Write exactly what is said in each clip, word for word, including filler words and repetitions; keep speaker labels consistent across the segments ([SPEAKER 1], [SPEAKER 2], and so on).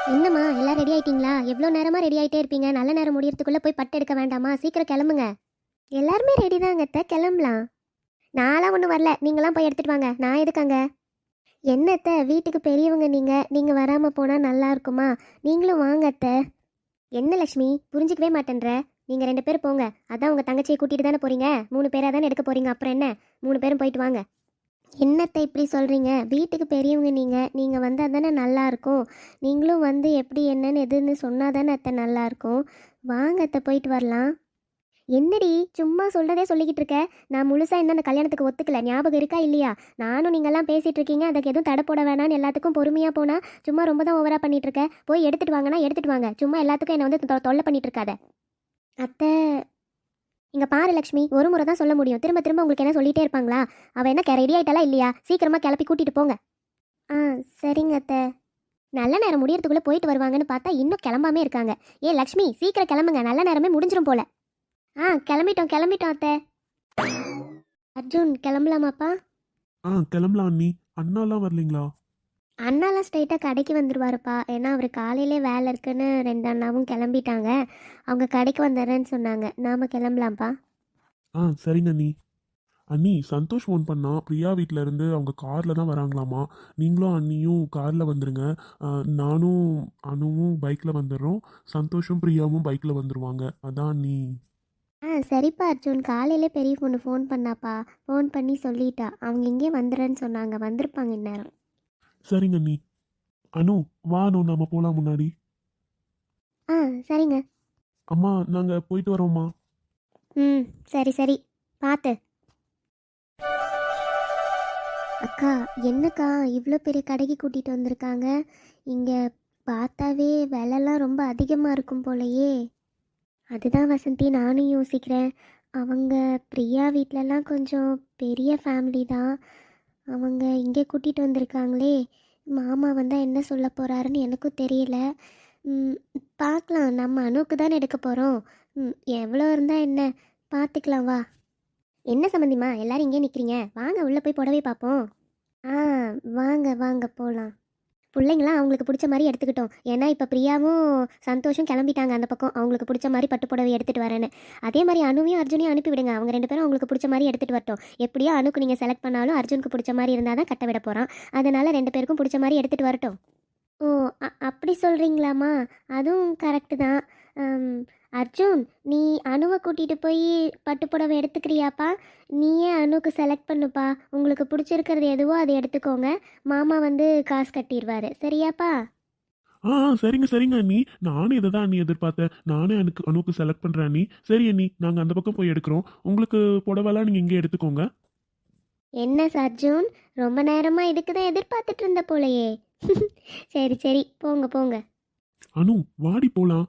[SPEAKER 1] என்னம்மா எல்லாம் ரெடி ஆயிட்டீங்களா? எவ்வளோ நேரமா ரெடி ஆயிட்டே இருப்பீங்க? நல்ல நேரம் முடியறதுக்குள்ள போய் பட்டு எடுக்க வேண்டாமா? சீக்கிரம் கிளம்புங்க. எல்லாருமே ரெடி தாங்க அத்தை, கிளம்பலாம். நான்லாம் ஒன்றும் வரல, நீங்களாம் போய் எடுத்துட்டு வாங்க. நான் எதுக்காங்க? என்ன அத்தை, வீட்டுக்கு பெரியவங்க நீங்க நீங்க வராம போனா நல்லா இருக்குமா? நீங்களும் வாங்க அத்தை. என்ன லக்ஷ்மி புரிஞ்சுக்கவே மாட்டேன்ற? நீங்க ரெண்டு பேரும் போங்க. அதான் உங்க தங்கச்சியை கூட்டிட்டு தானே போறீங்க. மூணு பேரா தானே எடுக்க போறீங்க. அப்புறம் என்ன, மூணு பேரும் போயிட்டு வாங்க. என்னத்தை இப்படி சொல்கிறீங்க? வீட்டுக்கு பெரியவங்க நீங்கள் நீங்கள் வந்தால் தானே நல்லாயிருக்கும். நீங்களும் வந்து எப்படி என்னன்னு எதுன்னு சொன்னால் தானே அத்தை நல்லாயிருக்கும். வாங்க அத்தை, போயிட்டு வரலாம். என்னடி சும்மா சொல்கிறதே சொல்லிக்கிட்டு இருக்க? நான் முழுசாக இன்னும் அந்த கல்யாணத்துக்கு ஒத்துக்கல. ஞாபகம் இருக்கா இல்லையா? நானும் நீங்கள்லாம் பேசிகிட்டு இருக்கீங்க, அதுக்கு எதுவும் தடை போட வேணான்னு எல்லாத்துக்கும் பொறுமையாக போனால் சும்மா ரொம்ப தான் ஓவராக பண்ணிகிட்டு இருக்க. போய் எடுத்துகிட்டு வாங்கன்னா எடுத்துகிட்டு வாங்க. சும்மா எல்லாத்துக்கும் என்னை வந்து தொ- தொல்லை பண்ணிகிட்டு இருக்காத அத்தை. இங்க பாரு லக்ஷ்மி, ஒரு முறை தான் சொல்ல முடியும். திரும்ப திரும்ப உங்களுக்கு என்ன சொல்லிட்டே இருப்பாங்களா? அவ என்ன ரெடி ஆயிட்டாலா இல்லையா? சீக்கிரமா கிளப்பி கூட்டிட்டு போங்க. ஆ சரிங்க அத்தை. நல்ல நேரம் முடியறதுக்குள்ள போயிட்டு வருவாங்கன்னு பார்த்தா இன்னும் கிளம்பாமே இருக்காங்க. ஏ லக்ஷ்மி, சீக்கிரம் கிளம்புங்க, நல்ல நேரமே முடிஞ்சிரும் போல. ஆ கிளம்பிட்டோம் கிளம்பிட்டோம் அத்தை. அர்ஜுன் கிளம்பலாமாப்பா?
[SPEAKER 2] ஆ கிளம்பலாம் அண்ணி. அண்ணாலாம் வரலீங்களா?
[SPEAKER 1] அண்ணாலாம் ஸ்ட்ரைட்டாக கடைக்கு வந்துடுவாருப்பா. ஏன்னா அவர் காலையிலே வேலை இருக்குன்னு ரெண்டு அண்ணாவும் கிளம்பிட்டாங்க. அவங்க கடைக்கு வந்துடுறேன்னு சொன்னாங்க. நாம கிளம்பலாம்ப்பா.
[SPEAKER 2] ஆ சரிங்க அண்ணி. அண்ணி, சந்தோஷ் ஃபோன் பண்ணா பிரியா வீட்டில் இருந்து அவங்க காரில் தான் வராங்களாமா. நீங்களும் அண்ணியும் காரில் வந்துடுங்க. ஆ, நானும் அனுவும் பைக்கில் வந்துடுறோம். சந்தோஷும் பிரியாவும் பைக்கில் வந்துடுவாங்க. அதான் அண்ணி.
[SPEAKER 1] ஆ சரிப்பா அர்ஜுன், காலையிலே பெரிய பொண்ணு ஃபோன் பண்ணாப்பா. ஃபோன் பண்ணி சொல்லிட்டா. அவங்க இங்கே வந்துடுறேன்னு சொன்னாங்க. வந்திருப்பாங்க இந்நேரம்.
[SPEAKER 2] சரிங்க அண்ணி. அனு, வா அனு, நம்ம போகலாம் முன்னாடி.
[SPEAKER 1] ஆ சரிங்க.
[SPEAKER 2] அம்மா, நாங்கள் போயிட்டு வரோம்மா.
[SPEAKER 1] ம் சரி சரி, பார்த்து. அக்கா, என்னக்கா இவ்வளோ பெரிய கடைக்கு கூட்டிகிட்டு வந்திருக்காங்க? இங்கே பார்த்தாவே விலைலாம் ரொம்ப அதிகமாக இருக்கும் போலயே. அதுதான் வசந்தி, நானும் யோசிக்கிறேன். அவங்க பிரியா வீட்டிலலாம் கொஞ்சம் பெரிய ஃபேமிலி தான். அவங்க இங்கே கூட்டிகிட்டு வந்திருக்காங்களே. மாமா வந்தால் என்ன சொல்ல போகிறாருன்னு எனக்கும் தெரியல. ம், பார்க்கலாம். நம்ம அணுக்கு தானே எடுக்க போகிறோம். ம், எவ்வளோ இருந்தால் என்ன, பார்த்துக்கலாம் வா. என்ன சம்மந்திமா எல்லாரும் இங்கே நிற்கிறீங்க? வாங்க உள்ளே போய் புடவை பார்ப்போம். ஆ வாங்க வாங்க போகலாம். பிள்ளைங்களாம் அவங்களுக்கு பிடிச்ச மாதிரி எடுத்துக்கிட்டோம். ஏன்னா இப்போ பிரியாவும் சந்தோஷம் கிளம்பிட்டாங்க அந்த பக்கம், அவங்களுக்கு பிடிச்ச மாதிரி பட்டு புடவை எடுத்துகிட்டு வரேன்னு. அதே மாதிரி அனுவையும் அர்ஜுனையும் அனுப்பி விடுங்க. அவங்க ரெண்டு பேரும் அவங்களுக்கு பிடிச்ச மாதிரி எடுத்துகிட்டு வரட்டும். எப்படியோ அனுக்கு நீங்கள் செலக்ட் பண்ணாலும் அர்ஜுனுக்கு பிடிச்ச மாதிரி இருந்தால் தான் கட்ட விட போகிறான். அதனால் ரெண்டு பேருக்கும் பிடிச்ச மாதிரி எடுத்துகிட்டு வரட்டும். ஓ, அ- அப்படி சொல்கிறீங்களாம்மா? அதுவும் கரெக்டு தான். அம், அர்ஜுன், நீ அணுவை கூட்டிகிட்டு போய் பட்டுப்புடவை எடுத்துக்கிறியாப்பா? நீயே அணுக்கு செலக்ட் பண்ணுப்பா. உங்களுக்கு பிடிச்சிருக்கிறது எதுவோ அதை எடுத்துக்கோங்க. மாமா வந்து காசு கட்டிடுவாரு, சரியாப்பா?
[SPEAKER 2] ஆ ஆ, சரிங்க சரிங்க அண்ணி. நானும் இதை தான் அண்ணி எதிர்பார்த்தேன். நானே அனுக்கு அனுக்கு செலக்ட் பண்ணுறேன் அண்ணி. சரி அண்ணி, நாங்கள் அந்த பக்கம் போய் எடுக்கிறோம். உங்களுக்கு புடவைலாம் நீங்கள் இங்கே எடுத்துக்கோங்க.
[SPEAKER 1] என்ன அர்ஜுன், ரொம்ப நேரமாக இதுக்கு தான் எதிர்பார்த்துட்டு இருந்த போலையே. சரி சரி, போங்க போங்க.
[SPEAKER 2] அனு, வாடி போகலாம்.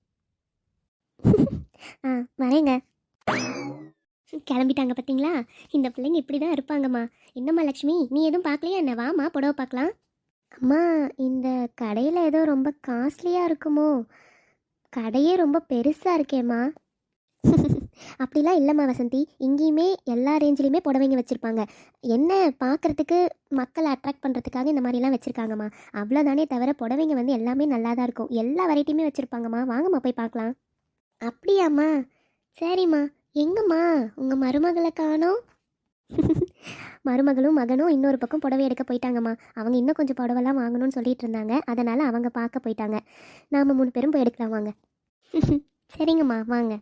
[SPEAKER 1] ஆ வரேங்க. கிளம்பிட்டாங்க பார்த்தீங்களா? இந்த பிள்ளைங்க இப்படி தான் இருப்பாங்கம்மா. என்னம்மா லக்ஷ்மி, நீ எதுவும் பார்க்கலையா என்ன? வாம்மா புடவை பார்க்கலாம். அம்மா, இந்த கடையில் ஏதோ ரொம்ப காஸ்ட்லியாக இருக்குமோ? கடையே ரொம்ப பெருசாக இருக்கேம்மா. அப்படிலாம் இல்லைம்மா வசந்தி, இங்கேயுமே எல்லா ரேஞ்சிலையுமே புடவைங்க வச்சுருப்பாங்க. என்ன, பார்க்குறதுக்கு மக்களை அட்ராக்ட் பண்ணுறதுக்காக இந்த மாதிரிலாம் வச்சுருக்காங்கம்மா. அவ்வளோதானே தவிர புடவைங்க வந்து எல்லாமே நல்லா தான் இருக்கும். எல்லா வெரைட்டியுமே வச்சுருப்பாங்கம்மா. வாங்கம்மா போய் பார்க்கலாம். அப்படியாம்மா? சரிம்மா. எங்கம்மா உங்கள் மருமகளை காணோம்? மருமகளும் மகனும் இன்னொரு பக்கம் புடவை எடுக்க போயிட்டாங்கம்மா. அவங்க இன்னும் கொஞ்சம் புடவைலாம் வாங்கணும்னு சொல்லிட்டு இருந்தாங்க. அதனால் அவங்க பார்க்க போயிட்டாங்க. நாம் மூணு பேரும் போய் எடுக்கலாம் வாங்க. சரிங்கம்மா வாங்க.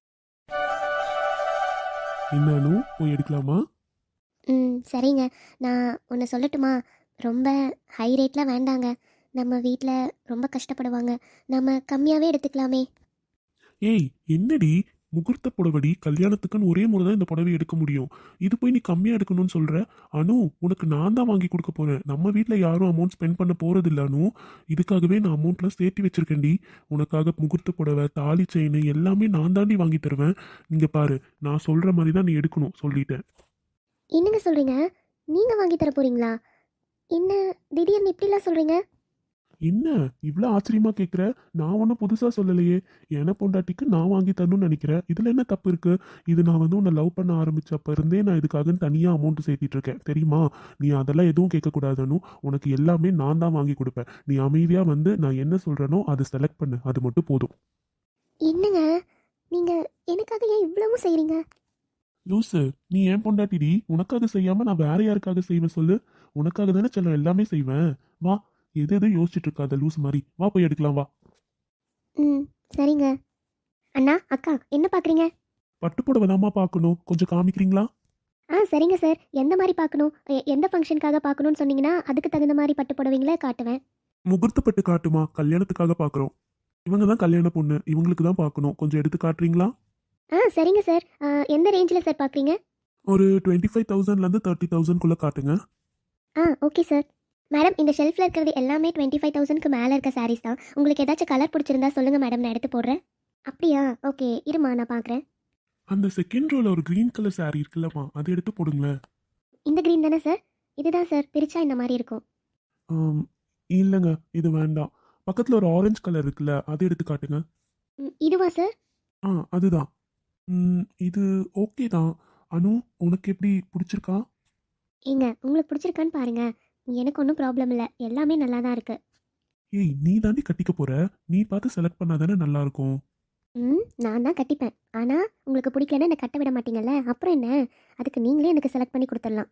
[SPEAKER 2] என்ன அனு, போய் எடுக்கலாமா?
[SPEAKER 1] ம் சரிங்க. நான் ஒன்று சொல்லட்டுமா? ரொம்ப ஹை ரேட்லாம் வேண்டாங்க. நம்ம வீட்டில் ரொம்ப கஷ்டப்படுவாங்க. நம்ம கம்மியாகவே எடுத்துக்கலாமே.
[SPEAKER 2] ஏய், என்னடி முகூர்த்த புடவடி, கல்யாணத்துக்குன்னு ஒரே முறை தான் இந்த புடவை எடுக்க முடியும். இது போய் நீ கம்மியாக எடுக்கணும்னு சொல்கிற? அனு, உனக்கு நான் தான் வாங்கி கொடுக்க போகிறேன். நம்ம வீட்டில் யாரும் அமௌண்ட் ஸ்பெண்ட் பண்ண போகிறது இல்லை அனு. இதுக்காகவே நான் அமௌண்ட்லாம் சேர்த்து வச்சிருக்கேன்டி. உனக்காக முகூர்த்த புடவை, தாலி செயின் எல்லாமே நான் தாண்டி வாங்கி தருவேன். இங்கே பாரு, நான் சொல்கிற மாதிரி தான் நீ எடுக்கணும், சொல்லிட்டேன்.
[SPEAKER 1] என்னங்க சொல்கிறீங்க? நீங்கள் வாங்கி தர போகிறீங்களா? என்ன திடீர்னு இப்படிலாம் சொல்கிறீங்க?
[SPEAKER 2] என்ன இவ்வளோ ஆச்சரியமா கேட்குற? நான் ஒன்றும் புதுசாக சொல்லலையே. என பொண்டாட்டிக்கு நான் வாங்கி தரணும்னு நினைக்கிறேன். இதில் என்ன தப்பு இருக்கு? இது நான் வந்து உன்னை லவ் பண்ண ஆரம்பிச்சப்ப இருந்தே நான் இதுக்காக தனியாக அமௌண்ட் சேர்த்திட்டு இருக்கேன் தெரியுமா? நீ அதெல்லாம் எதுவும் கேட்கக்கூடாதுன்னு. உனக்கு எல்லாமே நான் தான் வாங்கி கொடுப்பேன். நீ அமைதியாக வந்து நான் என்ன சொல்கிறேனோ அதை செலக்ட் பண்ணு, அது மட்டும் போதும்.
[SPEAKER 1] என்னங்க நீங்கள் எனக்காக ஏன் இவ்வளவும் செய்கிறீங்க?
[SPEAKER 2] லூசு, நீ ஏன் பொண்டாட்டிடி? உனக்காக செய்யாம நான் வேற யாருக்காக செய்வேன் சொல்லு? உனக்காக தானே செல்லம் எல்லாமே செய்வேன். வா, எது எது யோசிச்சுட்டு இருக்காத லூஸ் மாதிரி. வா போய் எடுக்கலாம் வா.
[SPEAKER 1] ம் சரிங்க. அண்ணா அக்கா என்ன பார்க்குறீங்க?
[SPEAKER 2] பட்டுப்புடவை தாம்மா பார்க்கணும், கொஞ்சம் காமிக்கிறீங்களா?
[SPEAKER 1] ஆ சரிங்க சார். எந்த மாதிரி பார்க்கணும், எ- எந்த ஃபங்க்ஷனுக்காக பார்க்கணும்னு சொன்னீங்கன்னா அதுக்கு தகுந்த மாதிரி பட்டு புடவைங்களே காட்டுவேன்.
[SPEAKER 2] முகூர்த்த பட்டு காட்டுமா, கல்யாணத்துக்காக பார்க்குறோம். இவங்க தான் கல்யாண பொண்ணு, இவங்களுக்கு தான் பார்க்கணும். கொஞ்சம் எடுத்து காட்டுறீங்களா?
[SPEAKER 1] ஆ சரிங்க சார். ஆ, எந்த ரேஞ்சில் சார் பார்க்குறீங்க?
[SPEAKER 2] ஒரு டுவெண்ட்டி ஃபைவ் தௌசண்ட்லேருந்து தேர்ட்டி தௌசண்ட்குள்ளே காட்டுங்க.
[SPEAKER 1] ஆ ஓகே சார். மேடம் இந்த ஷெல்ஃபில் இருக்கிறது எல்லாமே டுவெண்ட்டி ஃபைவ் தௌசண்ட்க்கு மேலே இருக்க சாரீஸ் தான். உங்களுக்கு ஏதாச்சும் கலர் பிடிச்சிருந்தா சொல்லுங்கள் மேடம், நான் எடுத்து போடுறேன். அப்படியா? ஓகே இருமா நான் பார்க்குறேன்.
[SPEAKER 2] அந்த செகண்ட் ரோல ஒரு க்ரீன் கலர் saree இருக்குல்லம்மா, அதை எடுத்து போடுங்களேன்.
[SPEAKER 1] இந்த க்ரீன் தானே சார்? இதுதான் சார், பிரிச்சா இந்த மாதிரி இருக்கும்.
[SPEAKER 2] ஆம், இல்லைங்க, இது வேண்டாம். பக்கத்தில் ஒரு ஆரஞ்சு கலர் இருக்குல்ல, அதை எடுத்து காட்டுங்க.
[SPEAKER 1] ம், இதுவா சார்?
[SPEAKER 2] ஆ அதுதான். ம், இது ஓகே தான். அனு, உனக்கு எப்படி பிடிச்சிருக்கா?
[SPEAKER 1] ஏங்க உங்களுக்கு பிடிச்சிருக்கான்னு பாருங்க. எனக்கு ஒன்றும் ப்ராப்ளம் இல்லை, எல்லாமே நல்லா தான் இருக்கு.
[SPEAKER 2] ஏய், நீ தாண்டி கட்டிக்க போற, நீ பார்த்து செலக்ட் பண்ணாதானே நல்லா இருக்கும்.
[SPEAKER 1] ம் நான் தான் கட்டிப்பேன். ஆனால் உங்களுக்கு பிடிக்கலன்னா என்னை கட்ட விட மாட்டீங்கல்ல, அப்புறம் என்ன? அதுக்கு நீங்களே எனக்கு செலக்ட் பண்ணி கொடுத்துடலாம்.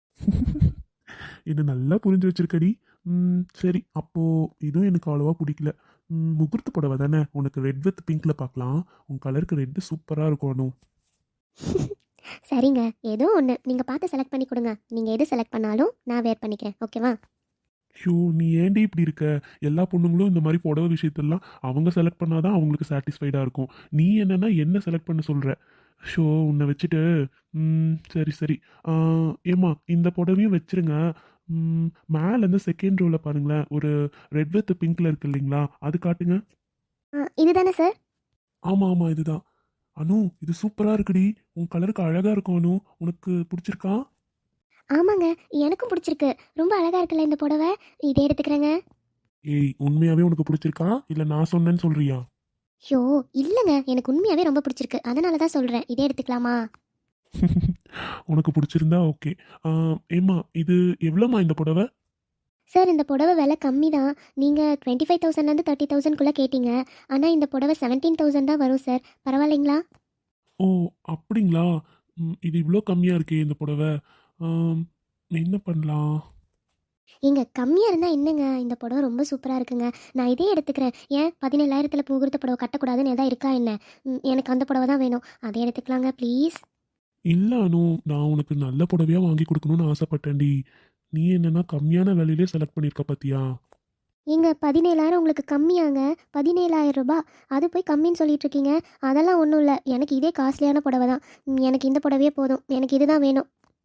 [SPEAKER 2] என்ன நல்லா புரிஞ்சு வச்சிருக்கடி. ம், சரி, அப்போ இதுவும் எனக்கு அவ்வளோவா பிடிக்கல. ம், முகூர்த்த புடவை தானே, உனக்கு ரெட் வித் பிங்க்ல பார்க்கலாம். உன் கலருக்கு ரெட்டு சூப்பராக இருக்கும் அனு.
[SPEAKER 1] சரிங்க, ஏதோ ஒன்று நீங்கள் பார்த்து செலக்ட் பண்ணி கொடுங்க. நீங்கள் எது செலக்ட் பண்ணாலும் நான் வேர் பண்ணிக்கிறேன், ஓகேவா?
[SPEAKER 2] ஷோ, நீ ஏன்டி இப்படி இருக்க? எல்லா பொண்ணுங்களும் இந்த மாதிரி புடவை விஷயத்தெல்லாம் அவங்க செலக்ட் பண்ணாதான் அவங்களுக்கு சாட்டிஸ்ஃபைடாக இருக்கும். நீ என்னன்னா என்ன செலக்ட் பண்ண சொல்கிற? ஷோ, உன்னை வச்சுட்டு. ம், சரி சரி. ஆ, ஏம்மா இந்த புடவையும் வச்சிருங்க. ம், மேலே இருந்து செகண்ட் ரோவில் பாருங்களேன், ஒரு ரெட் வித் பிங்க்ல இருக்கு இல்லைங்களா, அது காட்டுங்க.
[SPEAKER 1] ஆ இதுதானே சார்?
[SPEAKER 2] ஆமாம் ஆமாம், இதுதான். அனு, இது சூப்பராக இருக்குடி. உன் கலருக்கு அழகாக இருக்கும் அனு. உனக்கு பிடிச்சிருக்கா?
[SPEAKER 1] ஆமாங்க, எனக்கும் பிடிச்சிருக்கு. ரொம்ப அழகாக இருக்குல்ல இந்த புடவை. இதே எடுத்துக்கிறேங்க.
[SPEAKER 2] ஏய், உண்மையாகவே உனக்கு பிடிச்சிருக்கா இல்லை நான் சொன்னேன்னு சொல்கிறியா?
[SPEAKER 1] ஷோ இல்லைங்க, எனக்கு உண்மையாகவே ரொம்ப பிடிச்சிருக்கு, அதனால தான் சொல்கிறேன். இதே எடுத்துக்கலாமா?
[SPEAKER 2] உனக்கு பிடிச்சிருந்தா ஓகே. ஏம்மா, இது எவ்வளோம்மா இந்த புடவை?
[SPEAKER 1] சார் இந்த புடவை விலை கம்மி தான். நீங்கள் டுவெண்ட்டி ஃபைவ் தௌசண்ட்லேருந்து தேர்ட்டி தௌசண்ட்குள்ளே கேட்டீங்க. ஆனால் இந்த புடவை செவன்டீன் தௌசண்ட் தான் வரும் சார். பரவாயில்லைங்களா?
[SPEAKER 2] ஓ, அப்படிங்களா? ம், இது இவ்வளோ கம்மியாக இருக்கே இந்த புடவை. ஆம், என்ன பண்ணலாம்?
[SPEAKER 1] ஏங்க கம்மியாக இருந்தால் என்னங்க, இந்த புடவை ரொம்ப சூப்பராக இருக்குங்க. நான் இதே எடுத்துக்கிறேன். ஏன் பதினேழாயிரத்தில் முகூர்த்த புடவை கட்டக்கூடாதுன்னு எதாவது இருக்கா என்ன? ம், எனக்கு அந்த புடவை தான் வேணும். அதே எடுத்துக்கலாங்க ப்ளீஸ்.
[SPEAKER 2] இல்லை அனு, நான் உனக்கு நல்ல புடவையாக வாங்கி கொடுக்கணும்னு ஆசைப்பட்டேன்டி. நீ என்னன்னா கம்மியான விலையிலே செலக்ட் பண்ணியிருக்க பார்த்தியா?
[SPEAKER 1] ஏங்க பதினேழாயிரம் உங்களுக்கு கம்மியாங்க? பதினேழாயிரம் ரூபாய் அது போய் கம்மின்னு சொல்லிட்டு இருக்கீங்க. அதெல்லாம் ஒன்றும் இல்லை, எனக்கு இதே காஸ்ட்லியான புடவை தான். ம், எனக்கு இந்த புடவையே போதும், எனக்கு இதுதான் வேணும்.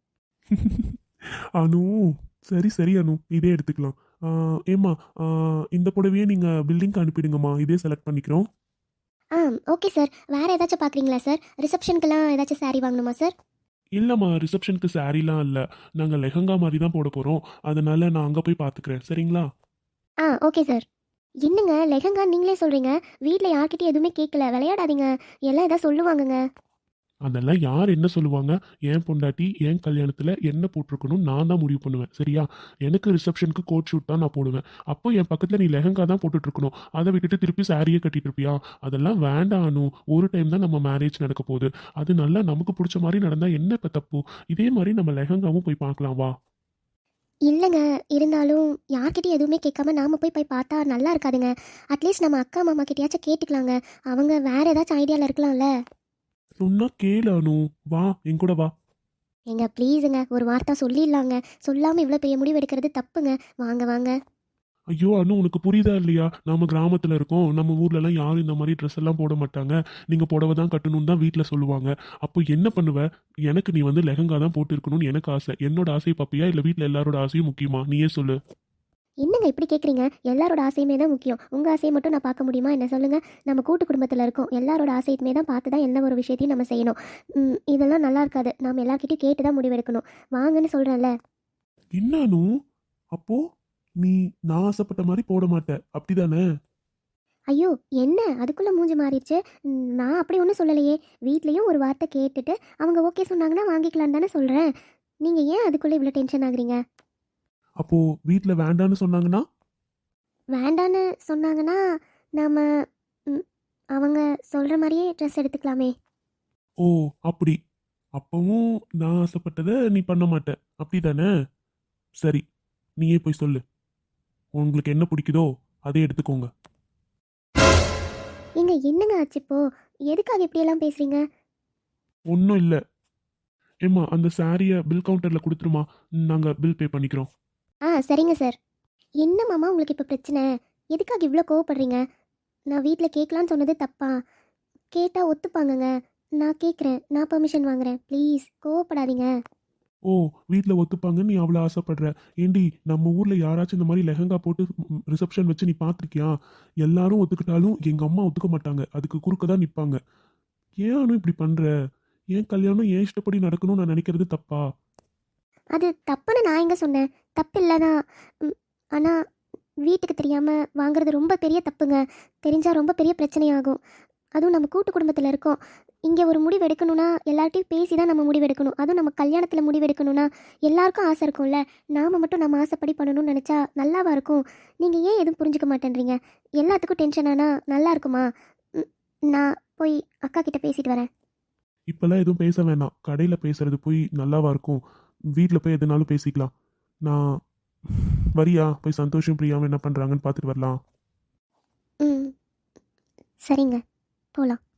[SPEAKER 2] அனு, சரி சரி அனு, இதே எடுத்துக்கலாம். ஆ, ஏம்மா, ஆ, இந்த புடவையே நீங்கள் பில்டிங்க்கு அனுப்பிடுங்கம்மா, இதே செலக்ட் பண்ணிக்கிறோம்.
[SPEAKER 1] ஆ ஓகே சார். வேறு ஏதாச்சும் பார்க்குறீங்களா சார்? ரிசப்ஷனுக்கெல்லாம் ஏதாச்சும் saree வாங்கணுமா சார்?
[SPEAKER 2] இல்லைம்மா, ரிசப்ஷனுக்கு சாரீலாம் இல்லை. நாங்கள் லெஹங்கா மாதிரி தான் போட போகிறோம். அதனால நான் அங்கே போய் பார்த்துக்கிறேன், சரிங்களா?
[SPEAKER 1] ஆ ஓகே சார். என்னங்க லெஹங்கா நீங்களே சொல்கிறீங்க? வீட்டில் யார்கிட்டயும் எதுவுமே கேட்கல, விளையாடாதீங்க. எல்லாம் ஏதாவது சொல்லுவாங்கங்க.
[SPEAKER 2] அதெல்லாம் யார் என்ன சொல்லுவாங்க? என் பொண்டாட்டி என் கல்யாணத்தில் என்ன போட்டிருக்கணும் நான் தான் முடிவு பண்ணுவேன், சரியா? எனக்கு ரிசப்ஷனுக்கு கோட் ஷூட் தான் நான் போடுவேன். அப்போ என் பக்கத்தில் நீ லெஹங்கா தான் போட்டுட்டு இருக்கணும். அதை விட்டுட்டு திருப்பி சாரியே கட்டிட்டு இருப்பியா? அதெல்லாம் வேண்டாம் அனு. ஒரு டைம் தான் நம்ம மேரேஜ் நடக்க போகுது. அது நல்லா நமக்கு பிடிச்ச மாதிரி நடந்தால் என்ன இப்போ தப்பு? இதே மாதிரி நம்ம லெஹங்காவும் போய் பார்க்கலாம், வா.
[SPEAKER 1] இல்லைங்க, இருந்தாலும் யார்கிட்டயும் எதுவுமே கேட்காம நாம போய் போய் பார்த்தா நல்லா இருக்காதுங்க. அட்லீஸ்ட் நம்ம அக்கா மாமா கிட்டயாச்சும் கேட்டுக்கலாங்க. அவங்க வேற ஏதாச்சும் ஐடியாவில் இருக்கலாம்ல.
[SPEAKER 2] சொன்னா கேளு அனு, வா என் கூட வா.
[SPEAKER 1] ஏங்க ப்ளீஸுங்க, ஒரு வார்த்தை சொல்லிடலாங்க. சொல்லாமல் இவ்வளோ பெரிய முடிவு எடுக்கிறது தப்புங்க. வாங்க வாங்க.
[SPEAKER 2] ஐயோ அனு, உனக்கு புரியுதா இல்லையா? நம்ம கிராமத்தில் இருக்கோம், நம்ம ஊர்லலாம் யாரும் இந்த மாதிரி ட்ரெஸ் எல்லாம் போட மாட்டாங்க. நீங்கள் புடவை தான் கட்டணும்னு தான் வீட்டில் சொல்லுவாங்க. அப்போ என்ன பண்ணுவ? எனக்கு நீ வந்து லெஹங்கா தான் போட்டு இருக்கணும்னு எனக்கு ஆசை. என்னோட ஆசையை பார்ப்பியா இல்லை வீட்டில் எல்லாரோட ஆசையும் முக்கியமா? நீயே சொல்லு.
[SPEAKER 1] என்னங்க இப்படி கேட்குறீங்க? எல்லாரோட ஆசையுமே தான் முக்கியம். உங்கள் ஆசையை மட்டும் நான் பார்க்க முடியுமா என்ன சொல்லுங்கள்? நம்ம கூட்டு குடும்பத்தில் இருக்கோம், எல்லாரோட ஆசையுமே தான் பார்த்து தான் எந்த ஒரு விஷயத்தையும் நம்ம செய்யணும். ம், இதெல்லாம் நல்லா இருக்காது. நாம் எல்லார்கிட்டையும் கேட்டு தான் முடிவெடுக்கணும். வாங்கன்னு சொல்கிறேன்ல.
[SPEAKER 2] என்ன அனு? அப்போ நீ நான் ஆசைப்பட்ட மாதிரி போட மாட்ட அப்படிதானே?
[SPEAKER 1] ஐயோ என்ன அதுக்குள்ளே மூஞ்சி மாறிடுச்சு. ம், நான் அப்படி ஒன்றும் சொல்லலையே. வீட்லேயும் ஒரு வார்த்தை கேட்டுட்டு அவங்க ஓகே சொன்னாங்கன்னா வாங்கிக்கலான்னு தானே சொல்கிறேன். நீங்கள் ஏன் அதுக்குள்ளே இவ்வளோ டென்ஷன் ஆகுறீங்க?
[SPEAKER 2] அப்போ வீட்ல வேண்டான்னு சொன்னாங்கன்னா?
[SPEAKER 1] வேண்டான்னு சொன்னாங்கன்னா நாம் அவங்க சொல்கிற மாதிரியே ட்ரெஸ் எடுத்துக்கலாமே.
[SPEAKER 2] ஓ, அப்படி. அப்பவும் நான் ஆசைப்பட்டதை நீ பண்ண மாட்ட அப்படிதானே? சரி, நீயே போய் சொல்லு. உங்களுக்கு என்ன பிடிக்குதோ அதே எடுத்துக்கோங்க.
[SPEAKER 1] ஏங்க என்னங்க ஆச்சு இப்போ? எதுக்காக இப்படியெல்லாம் பேசுகிறீங்க?
[SPEAKER 2] ஒன்றும் இல்லை. ஏம்மா அந்த சாரியை பில் கவுண்டரில் கொடுத்துருமா, நாங்கள் பில் பே பண்ணிக்கிறோம்.
[SPEAKER 1] ஆ சரிங்க சார். என்ன மாமா உங்களுக்கு இப்போ பிரச்சனை? எதுக்காக இவ்வளோ கோவப்படுறீங்க? நான் வீட்டில் கேட்கலான்னு சொன்னது தப்பா? கேட்டால் ஒத்துப்பாங்கங்க. நான் கேட்குறேன், நான் பெர்மிஷன் வாங்குறேன். ப்ளீஸ் கோவப்படாதீங்க.
[SPEAKER 2] ஓ, வீட்டில் ஒத்துப்பாங்கன்னு நீ அவ்வளோ ஆசைப்படுற. ஏண்டி, நம்ம ஊரில் யாராச்சும் இந்த மாதிரி லெஹங்கா போட்டு ரிசப்ஷன் வச்சு நீ பார்த்துருக்கியா? எல்லாரும் ஒத்துக்கிட்டாலும் எங்கள் அம்மா ஒத்துக்க மாட்டாங்க. அதுக்கு குறுக்க தான் நிற்பாங்க. ஏன் அனு இப்படி பண்ணுற? ஏன் கல்யாணம் ஏன் இஷ்டப்படி நடக்கணும்னு நான் நினைக்கிறது தப்பா?
[SPEAKER 1] அது தப்புன்னு நான் எங்கே சொன்னேன்? தப்பு இல்லை தான். ஆனால் வீட்டுக்கு தெரியாமல் வாங்குறது ரொம்ப பெரிய தப்புங்க. தெரிஞ்சால் ரொம்ப பெரிய பிரச்சனையாகும். அதுவும் நம்ம கூட்டு குடும்பத்தில் இருக்கோம். இங்கே ஒரு முடிவு எடுக்கணும்னா எல்லார்ட்டையும் பேசி தான் நம்ம முடிவு எடுக்கணும். அதுவும் நம்ம கல்யாணத்தில் முடிவு எடுக்கணும்னா எல்லாருக்கும் ஆசை இருக்கும்ல. நாம் மட்டும் நம்ம ஆசைப்படி பண்ணணும்னு நினச்சா நல்லாவா இருக்கும்? நீங்கள் ஏன் எதுவும் புரிஞ்சுக்க மாட்டேன்றீங்க? எல்லாத்துக்கும் டென்ஷன் ஆனால் நல்லா இருக்குமா? ம், நான் போய் அக்கா கிட்ட பேசிட்டு வரேன்.
[SPEAKER 2] இப்போல்லாம் எதுவும் பேச வேணாம். கடையில் பேசுறது போய் நல்லாவா இருக்கும்? வீட்டில் போய் எதுனாலும் பேசிக்கலாம். நான் வரியா? போய் சந்தோஷம் பிரியாமல் என்ன பண்ணுறாங்கன்னு பார்த்துட்டு வரலாம்.
[SPEAKER 1] ம் சரிங்க, போகலாம்.